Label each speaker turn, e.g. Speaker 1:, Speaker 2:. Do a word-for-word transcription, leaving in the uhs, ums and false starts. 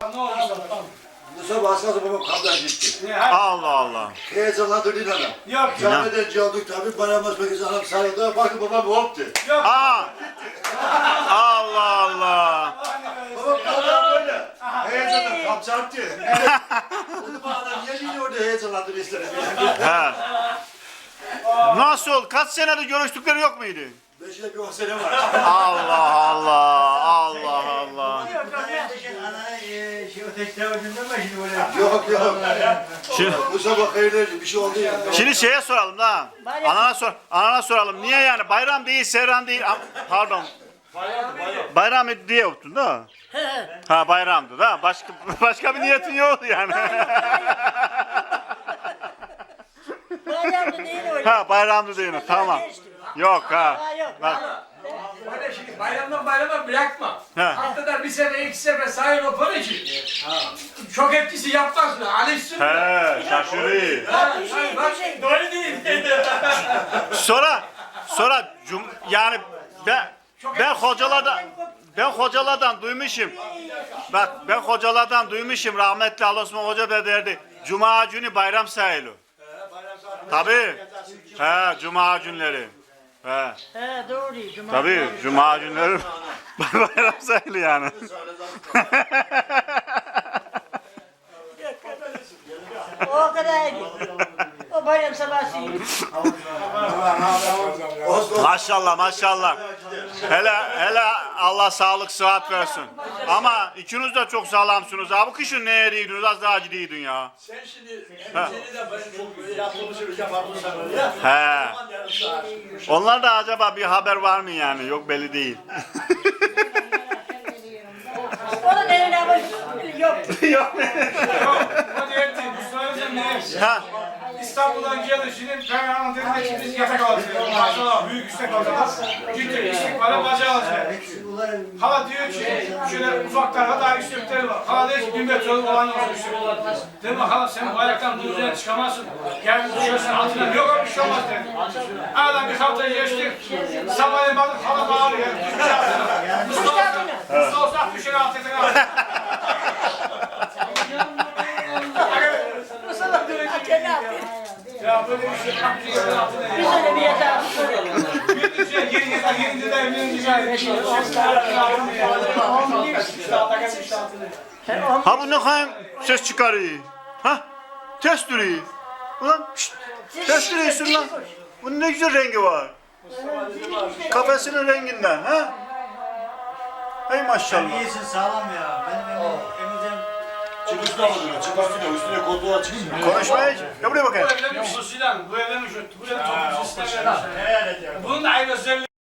Speaker 1: ne oldu sana?
Speaker 2: Musa baskısı babam kapıdan gitti.
Speaker 1: Ne, hadi.
Speaker 3: Allah Allah.
Speaker 2: Heyecanlandı değil adam.
Speaker 1: Yok.
Speaker 2: Camiden olduk tabii. Bayramlaşmak için adam sarıldı. Baktı babam hoptu.
Speaker 1: Yok.
Speaker 3: Aa. Allah Allah.
Speaker 2: Babam kapıdan böyle. Heyecanla kapı çarptı. Dedim adam niye yine orada heyecanlandı bizlere?
Speaker 3: He. Nasıl? Kaç senedir görüştükleri yok muydu?
Speaker 2: Beş ile bir on sene var.
Speaker 3: Allah Allah. Allah Allah.
Speaker 2: Yok yok.
Speaker 3: Şimdi,
Speaker 2: Bu sabah hayırlı bir şey oldu ya.
Speaker 3: şimdi şeye soralım da. Anana sor. Anana soralım. Niye yani? Bayram değil, seyran değil. Am- Pardon. Bayram diye yaptın da. Ha bayramdı da. Başka başka bir niyetin yoktu yani.
Speaker 4: Bayramda değil öyle.
Speaker 3: Ha bayramdı değil. Tamam. Yok ha.
Speaker 4: Ha, yok.
Speaker 3: Bak.
Speaker 1: Öyle şimdi bayramdan bayrama bırakma.
Speaker 3: He.
Speaker 1: Haftada bir sefer iki sefer sahip o para için. Çok etkisi yapmaz mı? Alışsın mı?
Speaker 3: He şaşırıyor.
Speaker 1: Ha,
Speaker 4: Bir şey,
Speaker 1: bak,
Speaker 4: bir şey.
Speaker 1: doğru değil.
Speaker 3: Sonra sonra cum yani ben ben hocalardan ben hocalardan duymuşum. Bak ben hocalardan duymuşum rahmetli Ali Osman Hoca da derdi. Cuma günü bayram sayılır. Tabii. He cuma günleri. He.
Speaker 4: He doğru. Cuma.
Speaker 3: Tabii cuma günleri bayram sayılır yani.
Speaker 4: O kadar iyi. O bayram sabahı iyi.
Speaker 3: Maşallah maşallah. Hele hele Allah sağlık sıhhat versin. Ama ikiniz de çok sağlamsınız abi. Kışın ne yeriydiniz az daha ciddiydin ya.
Speaker 1: Sen şimdi seni de ben çok böyle yapılmışım yaparmışsam öyle.
Speaker 3: He. Onlar da acaba bir haber var mı yani? Yok belli değil.
Speaker 4: Onun eline bak. Yok.
Speaker 3: Yok.
Speaker 1: Hadi etti. Bu söyleyeceğim ne?
Speaker 3: Ha.
Speaker 1: İstanbul'dan geldi şimdi ben anlatayım ki biz yatak alacağız. Maşallah büyük istek alacağız. Ciddi istek var bacağı alacağız. Hala diyor ki şöyle ufaklarda daha istekleri var. Hala diyor ki bir metre olan yok istekler. Dedim hala sen bu ayaktan bunun üzerine çıkamazsın. Gel düşersen altına yok bir şey olmaz dedi. Aradan bir hafta geçtik. Sabahleyin baktık hala bağırıyor. Düşmüş altına. Mustafa Mustafa olsa düşer altına. Ya böyle bir şey yapıyor altına.
Speaker 4: Biz öyle bir yatağı.
Speaker 1: Bir şey yeni yeni yeni de evlenince gayet.
Speaker 3: Ha bu ne kadar ses çıkarıyor. Ha? Test duruyor. Ulan şşt, test duruyorsun lan. Bunun ne güzel rengi var. Kafesinin renginden ha? Hey maşallah.
Speaker 5: İyisin sağlam ya. Benim emizem
Speaker 2: Çıkışına vurdular. Çıkışına üstüne koltuğa çıksın.
Speaker 3: Konuşmaya ya buraya bakayım.
Speaker 1: Bu evlenmiş o Sinan. Bu evlenmiş o. Bu evlenmiş o.
Speaker 5: ne edeceğim?
Speaker 1: Bunun da ayrı özelliği.